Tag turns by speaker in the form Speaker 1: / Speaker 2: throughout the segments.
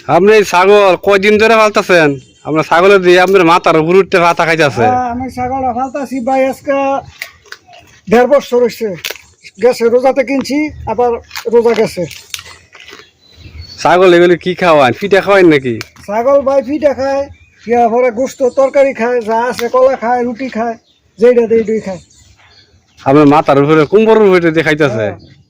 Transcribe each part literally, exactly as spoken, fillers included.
Speaker 1: আপনি ছাগল কয়দিন ধরে পালতেছেন? আপনার ছাগলের দিয়ে আপনার মাথার উপর উঠতে পাতা খাইতেছে।
Speaker 2: আমি ছাগল ফালতাছি ভাই আজকে দেড় বছর হয়েছে গেছে, রোজাতে কিনছি আবার রোজা গেছে।
Speaker 1: ছাগল এগুলি কি খাওয়ান? পিঠা খাওয়ান নাকি?
Speaker 2: ছাগল ভাই পিঠা খায়, ইয়া পরে গোস্ত তরকারি খায়, যা আছে কলা খায়, রুটি খায়, যেটা দেই দুই খায়।
Speaker 1: আপনার মাথার উপরে কুম্বরের উপরে দিয়ে খাইতেছে।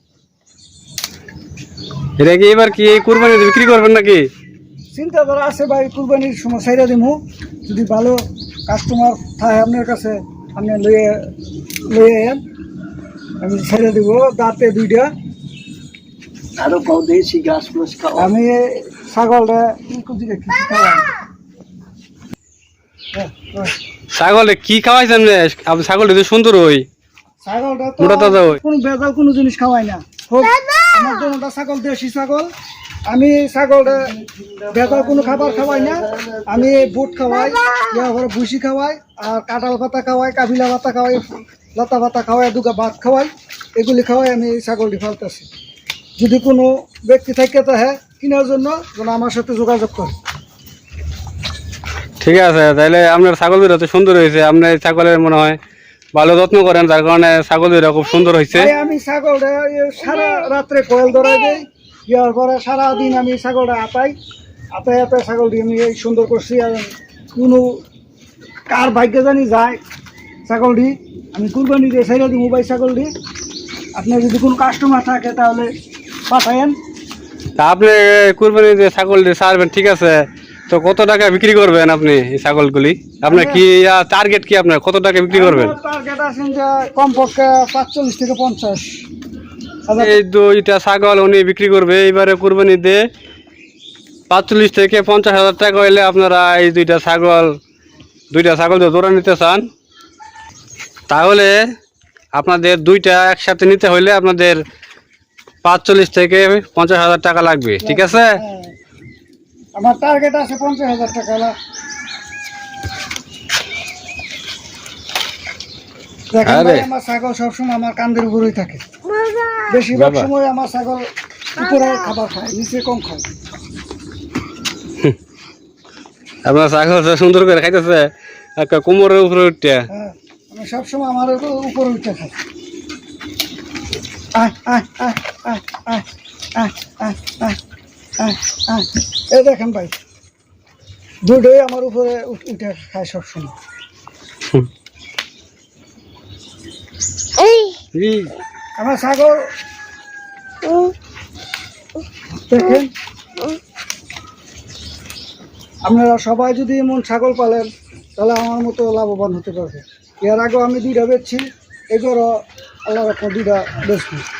Speaker 1: এটা কি এবার কি কুরবানি বিক্রি করবেন নাকি?
Speaker 2: চিন্তা করা আছে ভাই, কুরবানির সময় সাইরা দিমু, যদি ভালো কাস্টমার থাকে আপনার কাছে আপনি লইয়ে লইয়ে আন, আমি সাইরা দিব। দাঁতে দুইটা
Speaker 3: আরো কও দেশি ঘাস ফুস খাও।
Speaker 2: আমি ছাগলটা কি কুচি রেখি খাওয়াই।
Speaker 1: ছাগলে কি খাওয়াইছেন? আপনি ছাগল সুন্দর হই,
Speaker 2: ছাগলটা তো
Speaker 1: মোটা তাজা হই।
Speaker 2: কোনো ভেজাল কোনো জিনিস খাওয়াই না। খুব আমার দুটা ছাগল দেশি ছাগল। আমি ছাগলটা ভেজাল কোনো খাবার খাওয়াই না। আমি বুট খাওয়াই, ইয়া করে ভুসি খাওয়াই, আর কাঁঠাল পাতা খাওয়াই, কাবিলা পাতা খাওয়াই, লতা পাতা খাওয়াই, দুগা ভাত খাওয়াই, এগুলি খাওয়াই আমি এই ছাগলটি ফালতেছি। যদি কোনো ব্যক্তি থাকে তাহে কেনার জন্য যেন আমার সাথে যোগাযোগ করে।
Speaker 1: ঠিক আছে, তাহলে আপনার ছাগল দুটো তো সুন্দর হয়েছে। আপনি ছাগলের মনে হয় ভালো যত্ন করেন, যার কারণে ছাগল দুটো খুব সুন্দর হয়েছে।
Speaker 2: ভাই আমি ছাগলটা সারা রাত্রে কোয়েল ধরাই দেই, দেওয়ার পরে সারাদিন আমি ছাগলটা আতাই আতাই আতাই ছাগলটি আমি এই সুন্দর করছি। আর কোনো কার ভাগ্যে জানি যায় ছাগলটি আমি কুরবানি দিয়ে ছেড়ে দিই মোবাইল ছাগলটি। আপনার যদি কোনো কাস্টমার থাকে তাহলে পাঠায়েন।
Speaker 1: তা আপনি কুরবানি যে ছাগল দিয়ে ছাড়বেন, ঠিক আছে, তো কত টাকা বিক্রি করবেন আপনি এই ছাগলগুলি? আপনার কি টার্গেট কি? আপনার কত টাকা বিক্রি করবেন?
Speaker 2: টার্গেট আছেন যে কমপক্ষে পাঁচচল্লিশ থেকে পঞ্চাশ হাজার।
Speaker 1: এই দুইটা ছাগল উনি বিক্রি করবে এইবারে কুরবানি দিয়ে পাঁচচল্লিশ থেকে পঞ্চাশ হাজার টাকা হইলে আপনারা এই দুইটা ছাগল দুইটা ছাগল যদি জোড়া নিতে চান, তাহলে আপনাদের দুইটা একসাথে নিতে হইলে আপনাদের পাঁচচল্লিশ থেকে পঞ্চাশ হাজার টাকা লাগবে, ঠিক আছে?
Speaker 2: হ্যাঁ, আমার টার্গেট আছে পঞ্চাশ হাজার টাকা। দেখেন ভাই, আমার ছাগল সবসময় আমার কান্দের উপরেই থাকে। বেশিরভাগ সময় আমার ছাগল উপরে খাবার খায়, নিচে কম খায়।
Speaker 1: আপনার ছাগল সুন্দর করে খাইতেছে একটা কোমরের উপরে উঠতে।
Speaker 2: হ্যাঁ, আমি সবসময় আমার উপরে উঠে খাই। আহ আহ আহ আহ আহ আহ আহ আহ আহ আহ এই দেখেন ভাই, দুটোই আমার উপরে উঠে খায় সবসময়। আমার ছাগল দেখেন, আপনারা সবাই যদি এমন ছাগল পালেন তাহলে আমার মতো লাভবান হতে পারবে। এর আগেও আমি দুইটা বেচছি, এগুলো আল্লাহ রাখা দুইটা বেচবো।